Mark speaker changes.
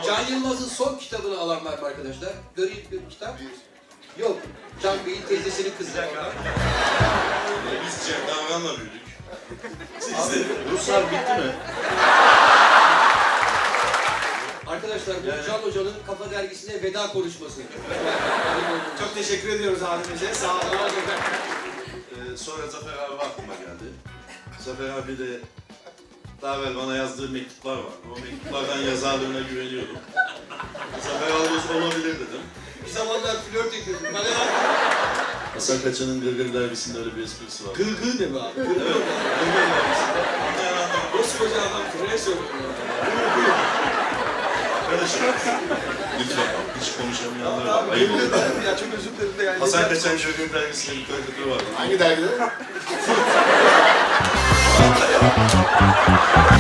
Speaker 1: Can Yılmaz'ın son kitabını alan var mı arkadaşlar? Göreyim bir kitap. Yok. Can Bey'in teyzesinin kızı.
Speaker 2: Biz Cem Davran'la büyüdük.
Speaker 3: Ruslar bitti mi?
Speaker 1: Arkadaşlar bu Can Hoca'nın Kafa Dergisi'ne veda konuşması.
Speaker 4: Çok teşekkür ediyoruz abimize. Sağ olun.
Speaker 2: Sonra Zafer abi aklıma geldi. Zafer abi de daha evvel bana yazdığı mektuplar var. O mektuplardan yazarlığına güveniyordum. Zafer abi olabilir dedim.
Speaker 1: Bir zamanlar flört ediyordum.
Speaker 2: Hasan Kaçan'ın Gırgır dergisinde öyle bir esprisi var.
Speaker 1: Gırgır ne be abi?
Speaker 2: Evet, Gırgır dergisinde. Anlayan anlamı.
Speaker 1: Koskoca adam kıraya söylüyor.
Speaker 2: Arkadaşım, lütfen hiç konuşamayanlar var. Ayıp olur.
Speaker 4: Ya çok özür dilerim de yani.
Speaker 2: Hasan Kaçan Gırgır dergisinde bir karikatürü var.
Speaker 3: Hangi dergide?